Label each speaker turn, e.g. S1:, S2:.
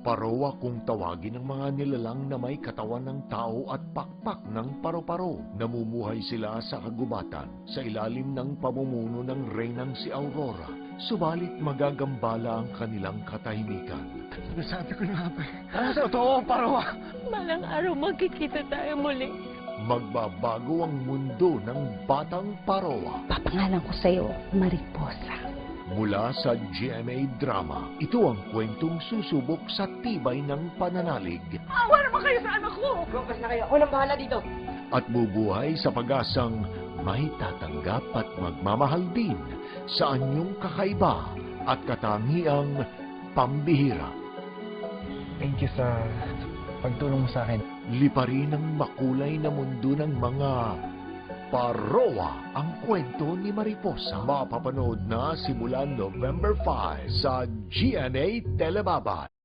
S1: Parowa kung tawagin ng mga nilalang na may katawan ng tao at pakpak ng paro-paro. Namumuhay sila sa kagubatan sa ilalim ng pamumuno ng reynang si Aurora. Subalit magagambala ang kanilang katahimikan.
S2: Nasabi ko na nga ba? Totoo, Parowa!
S3: Malang araw magkikita tayo muli.
S1: Magbabago ang mundo ng Batang Parowa.
S3: Papangalan ko sa'yo, Mariposa.
S1: Mula sa GMA Drama, ito ang kwentong susubok sa tibay ng pananalig.
S2: Awa naman kayo sa anak ko! Lumpas na kayo. Ako nang bahala dito.
S1: At bubuhay sa pag-asang may tatanggap at magmamahal din sa anyong kakaiba at katangiang pambihira.
S2: Thank you sa pagtulong mo sa akin.
S1: Liparin ang makulay na mundo ng mga Parowa ang kwento ni Mariposa. Mapapanood na simula November 5 sa GMA Telebaba.